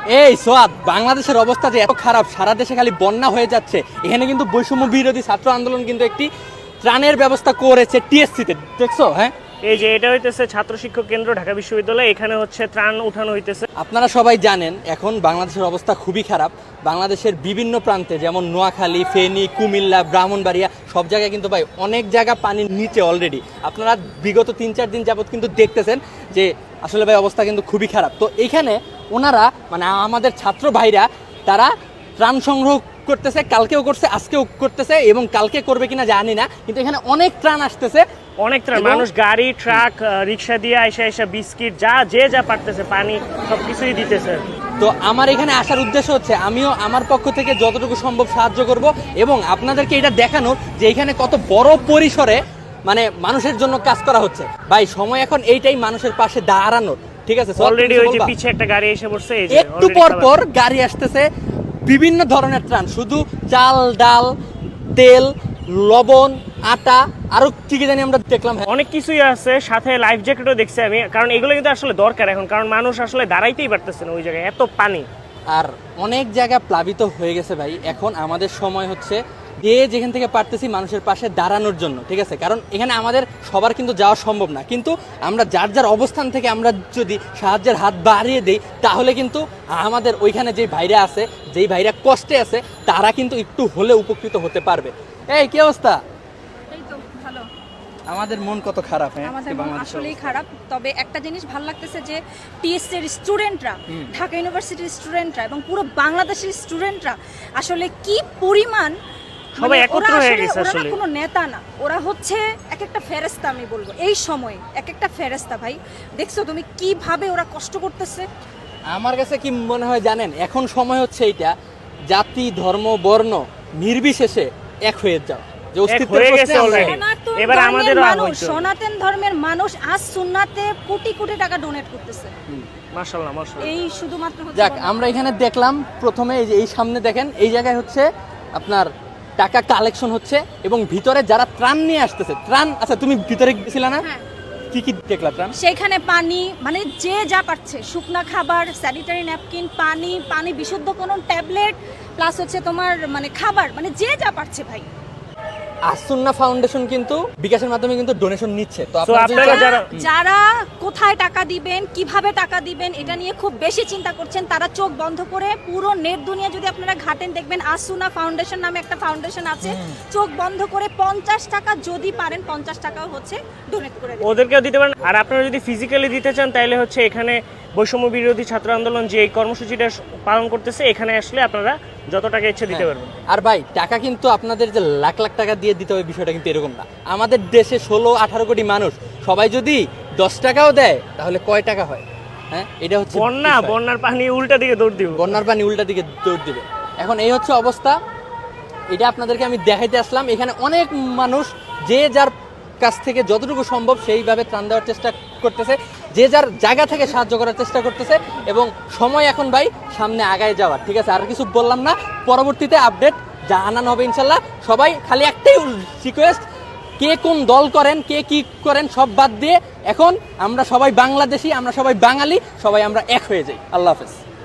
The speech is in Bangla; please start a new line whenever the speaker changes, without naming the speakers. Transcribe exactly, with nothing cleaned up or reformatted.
এই সোয়াদ, বাংলাদেশের অবস্থা যে এত খারাপ, সারা দেশে খালি বন্যা হয়ে যাচ্ছে, এখানে কিন্তু বৈষম্য বিরোধী ছাত্র আন্দোলন কিন্তু একটি ত্রাণের ব্যবস্থা করেছে টিএসসিতে, দেখছো? হ্যাঁ,
এই যে এটা হইতেছে ছাত্র শিক্ষক কেন্দ্র ঢাকা বিশ্ববিদ্যালয়, এখানে হচ্ছে ত্রাণ উঠানো হইতেছে।
আপনারা সবাই জানেন এখন বাংলাদেশের অবস্থা খুবই খারাপ। বাংলাদেশের বিভিন্ন প্রান্তে যেমন নোয়াখালী, ফেনী, কুমিল্লা, ব্রাহ্মণবাড়িয়া সব জায়গায় কিন্তু ভাই অনেক জায়গা পানির নিচে অলরেডি। আপনারা বিগত তিন চার দিন যাবত কিন্তু দেখতেছেন যে আসলে ভাই অবস্থা কিন্তু খুবই খারাপ। তো এইখানে ওনারা মানে আমাদের ছাত্র ভাইরা তারা ত্রাণ সংগ্রহ করতেছে, কালকেও করছে, আজকেও করতেছে এবং কালকে করবে কিনা জানি না, কিন্তু এখানে অনেক ত্রাণ আসতেছে,
অনেক ত্রাণ। মানুষ গাড়ি, ট্রাক, রিক্সা দিয়ে আইসা আইসা বিস্কিট যা যে যা পারতেছে, পানি সবকিছুই দিতেছে।
তো আমার এখানে আসার উদ্দেশ্য হচ্ছে আমিও আমার পক্ষ থেকে যতটুকু সম্ভব সাহায্য করব এবং আপনাদেরকে এটা দেখানোর যে এখানে কত বড় পরিসরে মানে মানুষের জন্য কাজ করা হচ্ছে। ভাই সময় এখন এইটাই মানুষের পাশে দাঁড়ানোর, ঠিক আছে?
অলরেডি ওই যে পিছে একটা গাড়ি এসে পড়ছে, এই যে
একটু পর পর গাড়ি আসতেছে, বিভিন্ন ধরনের ত্রাণ, শুধু চাল, ডাল, তেল, লবণ, আটা, আরো কি কি জানি আমরা দেখলাম,
অনেক কিছুই আছে, সাথে লাইফ জ্যাকেটও দেখছি আমি, কারণ এগুলো কিন্তু আসলে দরকার এখন, কারণ মানুষ আসলে দাঁড়াইতেই পারতেছে না ওই জায়গায়, এত পানি।
আর অনেক জায়গা প্লাবিত হয়ে গেছে ভাই। এখন আমাদের সময় হচ্ছে যে যেখান থেকে পারতেছি মানুষের পাশে দাঁড়ানোর জন্য, ঠিক আছে? কারণ এখানে আমাদের সবার কিন্তু যাওয়া সম্ভব না, কিন্তু আমরা যার যার অবস্থান থেকে আমরা যদি সাহায্যের হাত বাড়িয়ে দিই তাহলে কিন্তু আমাদের ওইখানে যে ভাইরা আছে, যেই ভাইরা কষ্টে আছে, তারা কিন্তু একটু হলে উপকৃত হতে পারবে। এই কি অবস্থা?
এই তো ভালো।
আমাদের মন কত খারাপ। হ্যাঁ,
আমাদের মন আসলেই খারাপ। তবে একটা জিনিস ভালো লাগতেছে যে টিএসসি এর স্টুডেন্টরা, ঢাকা ইউনিভার্সিটির স্টুডেন্টরা এবং পুরো বাংলাদেশের স্টুডেন্টরা আসলে কি পরিমাণ
সবাই একত্র হয়ে গেছে।
ওরা
আসলে
কোনো নেতা না, ওরা হচ্ছে এক একটা ফেরেশতা। আমি বলবো এই সময়ে এক একটা ফেরেশতা। ভাই দেখছো তুমি কিভাবে ওরা কষ্ট করতেছে?
আমার কাছে কি মনে হয় জানেন, এখন সময় হচ্ছে এইটা, জাতি, ধর্ম, বর্ণ নির্বিশেষে এক হয়ে যাও, যে অস্তিত্বের প্রশ্নে আমরা
এবার আমাদের
মানুষ, সনাতন ধর্মের মানুষ আজ সুন্নাতে কোটি কোটি টাকা ডোনেট করতেছে।
মাশাআল্লাহ মাশাআল্লাহ।
এই শুধুমাত্র
যাক, আমরা এখানে দেখলাম প্রথমে এই যে এই সামনে দেখেন, এই জায়গায় হচ্ছে আপনার টাকা কালেকশন হচ্ছে এবং ভিতরে যারা ত্রাণ নিয়ে আসতেছে, ত্রাণ, আচ্ছা তুমি ভিতরে গেছিলা না?
হ্যাঁ।
কি কি দেখলা ত্রাণ?
সেখানে পানি, মানে যে যা পাচ্ছে, শুকনা খাবার, স্যানিটারি ন্যাপকিন, পানি, পানি বিশুদ্ধ কোনো ট্যাবলেট, প্লাস হচ্ছে তোমার মানে খাবার, মানে যে যা পাচ্ছে ভাই।
আসুন্না ফাউন্ডেশন কিন্তু বিকাশের মাধ্যমে কিন্তু ডোনেশন নিচ্ছে। তো
আপনারা যারা
যারা কোথায় টাকা দিবেন, কিভাবে টাকা দিবেন, এটা নিয়ে খুব বেশি চিন্তা করছেন, তারা চোখ বন্ধ করে পুরো নেট দুনিয়া যদি আপনারা ঘাটেন দেখবেন আসুনা ফাউন্ডেশন নামে একটা ফাউন্ডেশন আছে, চোখ বন্ধ করে পঞ্চাশ টাকা যদি পারেন, পঞ্চাশ টাকাও হচ্ছে ডোনেট করে দেবেন,
ওদেরকেও দিতে পারেন। আর আপনারা যদি ফিজিক্যালি দিতে চান তাহলে হচ্ছে এখানে বৈষম্য বিরোধী ছাত্র আন্দোলন যে এই কর্মসূচিটা পালন করতেছে, এখানে আসলে আপনারা যত টাকা ইচ্ছে দিতে পারবেন।
আর ভাই টাকা কিন্তু আপনাদের যে লাখ লাখ টাকা দিয়ে দিতে হবে বিষয়টা কিন্তু এরকম না। আমাদের দেশে ষোলো আঠারো কোটি মানুষ, সবাই যদি দশ টাকাও দেয় তাহলে কয় টাকা হয়? হ্যাঁ, এটা হচ্ছে
বন্যা, বন্যার পানি উল্টা দিকে দৌড় দিবে,
বন্যার পানি উল্টা দিকে দৌড় দিবে। এখন এই হচ্ছে অবস্থা, এটা আপনাদেরকে আমি দেখাইতে আসলাম। এখানে অনেক মানুষ যে যার কাছ থেকে যতটুকু সম্ভব সেইভাবে ত্রাণ দেওয়ার চেষ্টা করতেছে, যে যার জায়গা থেকে সাহায্য করার চেষ্টা করতেছে এবং সময় এখন ভাই সামনে আগায় যাওয়ার, ঠিক আছে? আর কিছু বললাম না, পরবর্তীতে আপডেট জানানো হবে ইনশাল্লাহ। সবাই খালি একটাই রিকোয়েস্ট, কে কোন দল করেন, কে কি করেন সব বাদ দিয়ে এখন আমরা সবাই বাংলাদেশি, আমরা সবাই বাঙালি, সবাই আমরা এক হয়ে যাই। আল্লাহ হাফেজ।